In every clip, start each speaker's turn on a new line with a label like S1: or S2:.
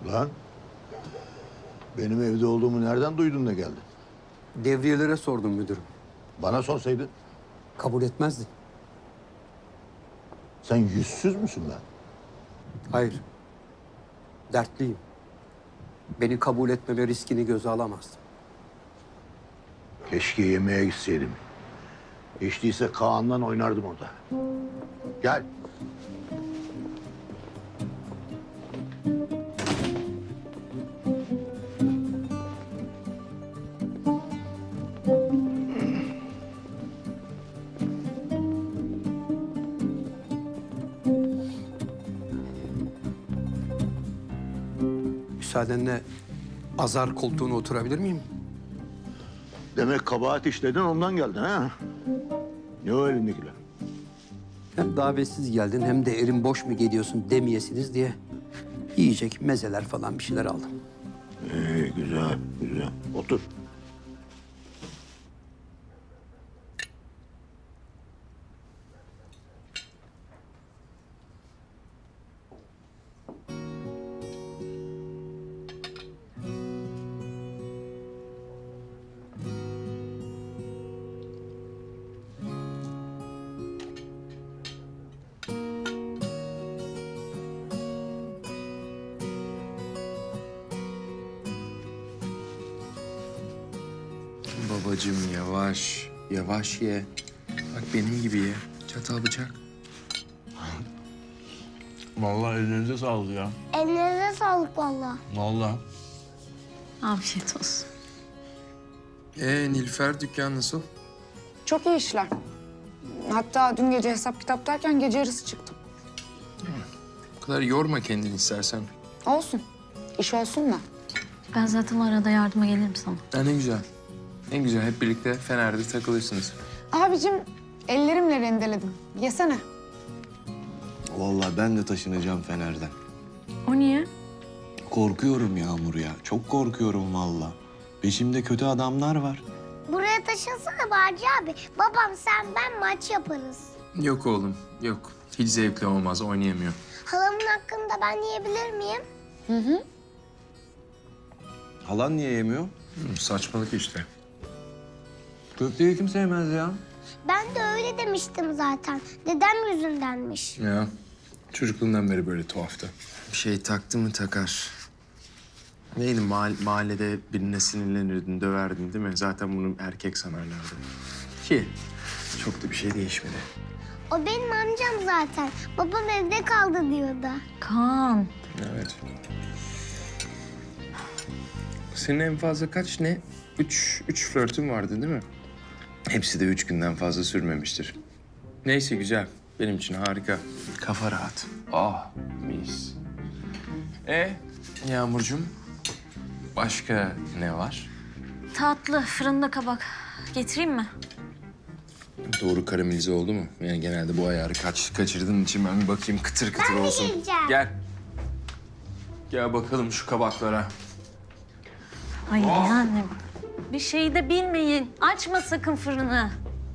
S1: Lan benim evde olduğumu nereden duydun da geldin?
S2: Devriyelere sordum müdürüm.
S1: Bana sorsaydın.
S2: Kabul etmezdi.
S1: Sen yüzsüz müsün lan?
S2: Hayır. Dertliyim. Beni kabul etmeme riskini göze alamazdım.
S1: Keşke yemeğe gitseydim. Hiç değilse Kaan'la oynardım orada. Gel.
S2: Müsaadenle azar koltuğuna oturabilir miyim?
S1: Demek kabahat işledin ondan geldin ha? Ne o elindekiler?
S2: Hem davetsiz geldin hem de erin boş mu geliyorsun demeyesiniz diye yiyecek mezeler falan bir şeyler aldım.
S1: Güzel, güzel. Otur.
S3: Babacığım yavaş, yavaş ye. Bak benim gibi ye. Çatal bıçak.
S4: Vallahi ellerinize sağlık ya.
S5: Ellerine sağlık vallahi.
S4: Vallahi.
S6: Afiyet olsun.
S3: Nilüfer dükkan nasıl?
S7: Çok iyi işler. Hatta dün gece hesap kitap derken gece yarısı çıktım.
S3: Bu kadar yorma kendini istersen.
S7: Olsun. İş olsun da.
S6: Ben zaten arada yardıma gelirim sana.
S3: Ha, ne güzel. En güzel hep birlikte Fener'de takılırsınız.
S7: Abicim ellerimle rendeledim. Yesene.
S8: Vallahi ben de taşınacağım Fener'den.
S6: O niye?
S8: Korkuyorum Yağmur ya. Çok korkuyorum vallahi. Peşimde kötü adamlar var.
S5: Buraya taşınsana Barcı abi. Babam, sen, ben maç yaparız.
S3: Yok oğlum, yok. Hiç zevkli olmaz, oynayamıyor.
S5: Halamın hakkında ben yiyebilir miyim?
S8: Halan niye yemiyor?
S3: Saçmalık işte.
S8: Köfteyi kim sevmez ya?
S5: Ben de öyle demiştim zaten. Dedem yüzündenmiş.
S3: Ya, çocukluğundan beri böyle tuhaftı. Bir şey taktı mı takar. Neydi mahallede birine sinirlenirdin, döverdin değil mi? Zaten bunu erkek sanarlardı. Ki çok da bir şey değişmedi.
S5: O benim amcam zaten. Babam evde kaldı diyordu.
S6: Kaan.
S3: Evet. Senin en fazla kaç ne? Üç flörtün vardı değil mi? Hepsi de 3 günden fazla sürmemiştir. Neyse güzel. Benim için harika. Kafa rahat. Ah mis. Yağmurcuğum, başka ne var?
S6: Tatlı, fırında kabak. Getireyim mi?
S3: Doğru karamelize oldu mu? Yani genelde bu ayarı kaçırdığın için ben bir bakayım kıtır kıtır olsun.
S5: yiyeceğim.
S3: Gel. Gel bakalım şu kabaklara.
S6: Ay yani bir şey de bilmeyin. Açma sakın fırını.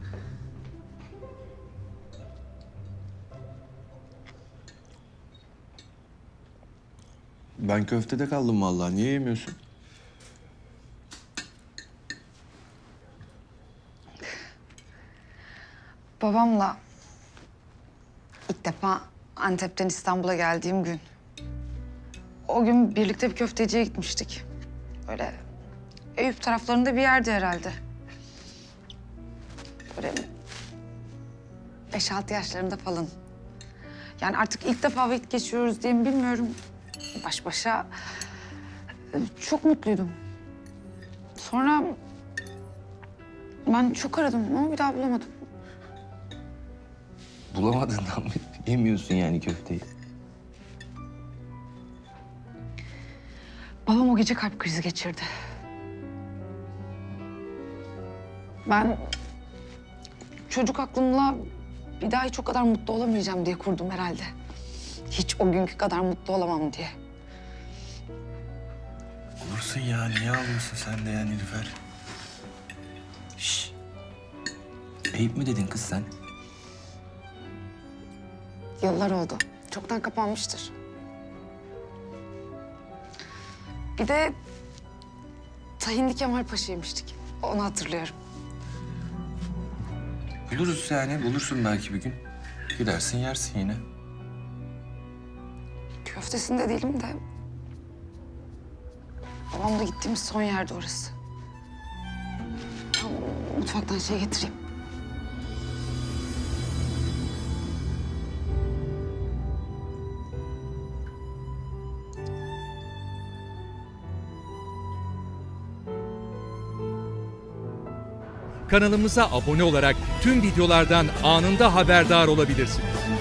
S8: Ben köftede kaldım vallahi. Niye yemiyorsun?
S7: Babamla ilk defa Antep'ten İstanbul'a geldiğim gün. O gün birlikte bir köfteciye gitmiştik. Öyle Eyüp taraflarında bir yerde herhalde. Böyle 5-6 yaşlarında falan. Yani artık ilk defa vakit geçiriyoruz diye mi bilmiyorum. Baş başa çok mutluydum. Sonra ben çok aradım ama bir daha bulamadım.
S8: Bulamadığından mı yemiyorsun yani köfteyi?
S7: Babam o gece kalp krizi geçirdi. Ben çocuk aklımla bir daha hiç o kadar mutlu olamayacağım diye kurdum herhalde. Hiç o günkü kadar mutlu olamam diye.
S8: Olursun ya. Niye ağlıyorsun sen de ya Nilüfer? Şşş. Eyüp mü dedin kız sen?
S7: Yıllar oldu. Çoktan kapanmıştır. Bir de Tahinli Kemal Paşa yemiştik. Onu hatırlıyorum.
S8: Buluruz yani. Bulursun belki bir gün. Gidersin yersin yine.
S7: Köftesinde değilim de... babamla gittiğimiz son yerde orası. Tamam, mutfaktan şey getireyim.
S9: Kanalımıza abone olarak tüm videolardan anında haberdar olabilirsiniz.